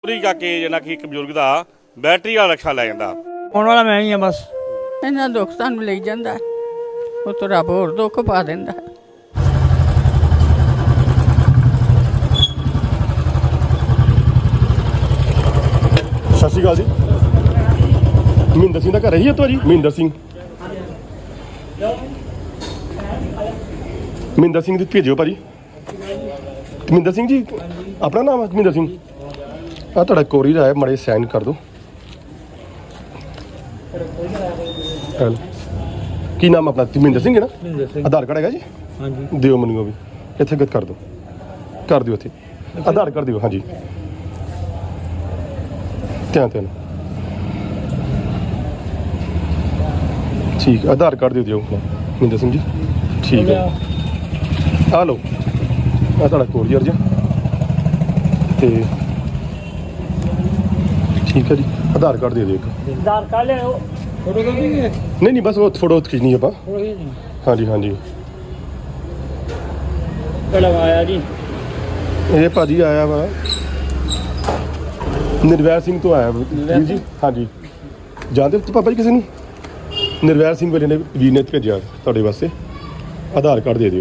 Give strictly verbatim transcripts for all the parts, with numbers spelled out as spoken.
ਪੂਰੀ ਕਰਕੇ ਜਿਹਨਾਂ ਕਿ ਇੱਕ ਬਜ਼ੁਰਗ ਦਾ ਬੈਟਰੀ ਵਾਲਾ ਰਕਸ਼ਾ ਲੈ ਜਾਂਦਾ। ਆਉਣ ਵਾਲਾ ਮੈਂ ਹੀ ਆ ਬਸ। ਇਹਨਾਂ ਦੁੱਖ ਸਾਨੂੰ ਲਈ ਜਾਂਦਾ, ਉਹ ਤੋਂ ਰੱਬ ਹੋਰ ਦੁੱਖ ਪਾ ਦਿੰਦਾ। ਸਤਿ ਸ਼੍ਰੀ ਅਕਾਲ ਜੀ। ਮਹਿੰਦਰ ਸਿੰਘ ਦਾ ਘਰ ਹੀ ਹੈ ਤੁਹਾਡੀ? ਮਹਿੰਦਰ ਸਿੰਘ ਮਹਿੰਦਰ ਸਿੰਘ ਦੀ ਭੇਜਿਓ ਭਾਜੀ। ਮਹਿੰਦਰ ਸਿੰਘ ਜੀ ਆਪਣਾ ਨਾਮ ਹੈ ਮਹਿੰਦਰ ਸਿੰਘ? ਆ ਤੁਹਾਡਾ ਕੋਰੀਅਰ ਆਇਆ, ਮਾੜੇ ਸਾਈਨ ਕਰ ਦਿਓ। ਹੈਲੋ, ਕੀ ਨਾਮ ਆਪਣਾ? ਮਹਿੰਦਰ ਸਿੰਘ ਹੈ ਨਾ? ਆਧਾਰ ਕਾਰਡ ਹੈਗਾ ਜੀ? ਹਾਂਜੀ ਦਿਓ ਮੈਨੂੰ ਉਹ ਵੀ। ਇੱਥੇ ਗੱਤ ਕਰ ਦਿਓ, ਕਰ ਦਿਓ ਇੱਥੇ ਆਧਾਰ ਕਾਰਡ ਦਿਓ। ਹਾਂਜੀ ਧਿਆਨ ਧਿਆਨ ਠੀਕ, ਆਧਾਰ ਕਾਰਡ ਦੇ ਦਿਓ ਮਹਿੰਦਰ ਸਿੰਘ ਜੀ। ਠੀਕ ਹੈ, ਆ ਲਓ ਆ ਤੁਹਾਡਾ ਕੋਰੀਅਰ ਜੀ। ਤੇ ਠੀਕ ਹੈ ਜੀ, ਆਧਾਰ ਕਾਰਡ ਦੇ ਦਿਓ ਇੱਕ। ਆਧਾਰ ਕਾਰਡ ਲਿਆਓ। ਫੋਟੋ ਕਾਪੀ ਨਹੀਂ? ਨਹੀਂ ਨਹੀਂ, ਬਸ ਉਹ ਫੋਟੋ ਖਿੱਚਣੀ ਆਪਾਂ। ਹਾਂਜੀ ਹਾਂਜੀ। ਕਿਹੜਾ ਆਇਆ ਜੀ? ਇਹ ਭਾਜੀ ਆਇਆ ਵਾ ਨਿਰਵੈਰ ਸਿੰਘ ਤੋਂ ਆਇਆ ਵੀਰ ਜੀ। ਹਾਂਜੀ ਜਾਣਦੇ ਹੋ ਪਾਪਾ ਜੀ ਕਿਸੇ ਨੂੰ? ਨਿਰਵੈਰ ਸਿੰਘ ਵੀਰ ਨੇ ਵੀਰ ਨੇ ਭੇਜਿਆ ਤੁਹਾਡੇ ਵਾਸਤੇ। ਆਧਾਰ ਕਾਰਡ ਦੇ ਦਿਓ।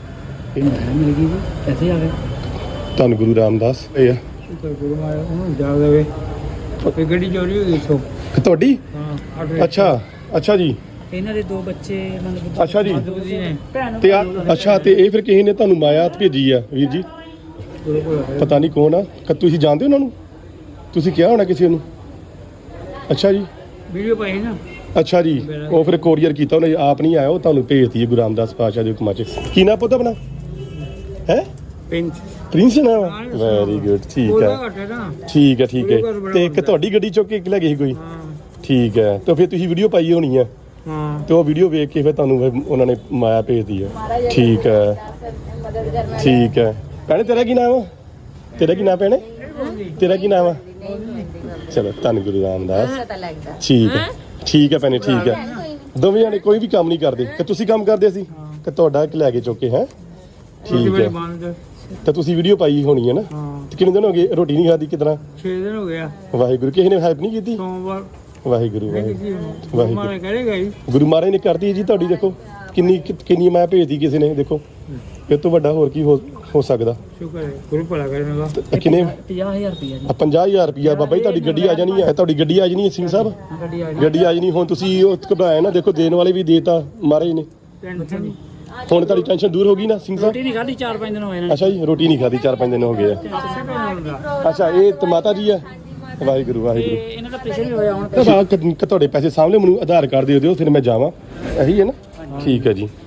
ਇੱਥੇ ਆ ਗਏ ਧੰਨ ਗੁਰੂ ਰਾਮਦਾਸ ਇਹ ਆ। ਗੁਰੂ ਮਾਇਆ ਉਹਨੂੰ ਜਾ ਦੇਵੇ। ਇਹ ਗੱਡੀ ਚੋਰੀ ਹੋ ਗਈ ਇੱਥੋਂ। ਤੁਹਾਡੀ? ਹਾਂ। ਅੱਛਾ ਅੱਛਾ ਜੀ। ਇਹਨਾਂ ਦੇ ਦੋ ਬੱਚੇ ਮਤਲਬ ਅੱਛਾ ਜੀ। ਨੇ ਤੇ ਆ ਅੱਛਾ, ਤੇ ਇਹ ਫਿਰ ਕਿਸੇ ਨੇ ਤੁਹਾਨੂੰ ਮਾਇਆ ਭੇਜੀ ਆ ਵੀਰ ਜੀ? ਪਤਾ ਨਹੀਂ ਕੌਣ ਆ। ਕਿ ਤੁਸੀਂ ਜਾਣਦੇ ਹੋ ਉਹਨਾਂ ਨੂੰ? ਤੁਸੀਂ ਕਿਹਾ ਹੋਣਾ ਕਿਸੇ ਨੂੰ? ਅੱਛਾ ਜੀ। ਵੀਡੀਓ ਪਾਈ ਨਾ। ਅੱਛਾ ਜੀ, ਉਹ ਫਿਰ ਕੋਰੀਅਰ ਕੀਤਾ ਉਹਨੇ, ਆਪ ਨਹੀਂ ਆਇਆ, ਉਹ ਤੁਹਾਨੂੰ ਭੇਜਤੀ ਹੈ ਗੁਰੂ ਰਾਮਦਾਸ ਪਾਤਸ਼ਾਹ ਦੇ ਹੁਕਮਾਂ 'ਚ। ਕੀ ਨਾ ਪੁੱਤ ਆਪਣਾ ਹੈ? ਪ੍ਰਿੰਸ ਨਾ? Very good. ਠੀਕ ਹੈ ਠੀਕ ਹੈ ਠੀਕ ਹੈ। ਤੇ ਇੱਕ ਤੁਹਾਡੀ ਗੱਡੀ ਚੁੱਕ ਕੇ ਇੱਕ ਲੈ ਗਈ ਸੀ ਕੋਈ? ਠੀਕ ਹੈ, ਤੇ ਫਿਰ ਤੁਸੀਂ ਵੀਡੀਓ ਪਾਈ ਹੋਣੀ ਆ। ਤੇ ਉਹ ਵੀਡੀਓ ਵੇਖ ਕੇ ਫਿਰ ਤੁਹਾਨੂੰ ਫਿਰ ਉਹਨਾਂ ਨੇ ਮਾਇਆ ਭੇਜਦੀ ਹੈ। ਠੀਕ ਹੈ ਠੀਕ ਹੈ। ਭੈਣੇ ਤੇਰਾ ਕੀ ਨਾਮ ਆ? ਤੇਰਾ ਕੀ ਨਾਮ ਭੈਣੇ? ਤੇਰਾ ਕੀ ਨਾਮ ਆ? ਚਲੋ ਧੰਨ ਗੁਰੂ ਰਾਮਦਾਸ। ਠੀਕ ਹੈ ਠੀਕ ਹੈ ਭੈਣੇ ਠੀਕ ਹੈ। ਦੋਵੇਂ ਜਾਣੇ ਕੋਈ ਵੀ ਕੰਮ ਨਹੀਂ ਕਰਦੇ ਕਿ ਤੁਸੀਂ ਕੰਮ ਕਰਦੇ ਸੀ ਕਿ ਤੁਹਾਡਾ ਇੱਕ ਲੈ ਕੇ ਚੁੱਕੇ ਹੈ? ਠੀਕ ਹੈ। ਤਾਂ ਤੁਸੀਂ ਵੀਡੀਓ ਪਾਈ ਹੋਣੀ ਹੈ ਨਾ? ਤੇ ਕਿੰਨੇ ਦਿਨ ਹੋ ਗਏ ਰੋਟੀ ਨਹੀਂ ਖਾਦੀ? ਕਿਤਨਾ? ਛੇ ਦਿਨ ਹੋ ਗਿਆ। ਵਾਹਿਗੁਰੂ, ਕਿਸੇ ਨੇ ਹੈਲਪ ਨਹੀਂ ਕੀਤੀ? ਸੋਮਵਾਰ। ਵਾਹਿਗੁਰੂ ਵਾਹਿਗੁਰੂ ਵਾਹਿਗੁਰੂ ਕਰੇਗਾ ਜੀ। ਗੁਰੂ ਮਹਾਰਾਜ ਨੇ ਕਰਦੀ ਜੀ ਤੁਹਾਡੀ। ਦੇਖੋ ਕਿੰਨੀ ਕਿੰਨੀ ਮਾਇਆ ਭੇਜਦੀ ਕਿਸੇ ਨੇ। ਦੇਖੋ ਇਹ ਤੋਂ ਵੱਡਾ ਹੋਰ ਕੀ ਹੋ ਹੋ ਸਕਦਾ? ਸ਼ੁਕਰ ਹੈ, ਗੁਰੂ ਭਲਾ ਕਰੇਗਾ। ਕਿੰਨੇ? ਪੰਜਾਹ ਹਜ਼ਾਰ ਰੁਪਇਆ ਜੀ। ਪੰਜਾਹ ਹਜ਼ਾਰ ਰੁਪਇਆ ਬਾਬਾ ਜੀ ਤੁਹਾਡੀ ਗੱਡੀ ਆ ਜਾਣੀ ਹੈ। ਤੁਹਾਡੀ ਗੱਡੀ ਆ ਜਾਣੀ ਹੈ ਸਿੰਘ ਸਾਹਿਬ, ਗੱਡੀ ਆ ਜਾਣੀ। ਹੁਣ ਤੁਸੀਂ ਉਹ ਘਬਰਾਇਆ ਨਾ, ਦੇਖੋ ਦੇਣ ਵਾਲੇ ਵੀ ਦੇਤਾ ਮਹਾਰਾਜ ਨੇ। ਹੁਣ ਤੁਹਾਡੀ ਟੈਨਸ਼ਨ ਦੂਰ ਹੋ ਗਈ ਨਾ ਸਿੰਘ ਸਾਹਿਬ? ਰੋਟੀ ਨਹੀਂ ਖਾਧੀ ਚਾਰ ਪੰਜ ਦਿਨ ਹੋਏ ਨੇ। ਅੱਛਾ ਜੀ, ਰੋਟੀ ਨਹੀਂ ਖਾਧੀ ਚਾਰ ਪੰਜ ਦਿਨ ਹੋ ਗਏ ਆ। ਅੱਛਾ, ਇਹ ਤੇ ਮਾਤਾ ਜੀ ਆ? ਵਾਹਿਗੁਰੂ ਵਾਹਿਗੁਰੂ। ਇਹਨਾਂ ਦਾ ਪ੍ਰੈਸ਼ਰ ਵੀ ਹੋਇਆ ਹੁਣ। ਤੁਹਾਡੇ ਪੈਸੇ ਸਾਹਮਣੇ ਮੈਨੂੰ ਆਧਾਰ ਕਾਰਡ ਦੇ ਦਿਓ, ਫਿਰ ਮੈਂ ਜਾਵਾਂ। ਇਹੀ ਹੈ ਨਾ? ਠੀਕ ਹੈ ਜੀ।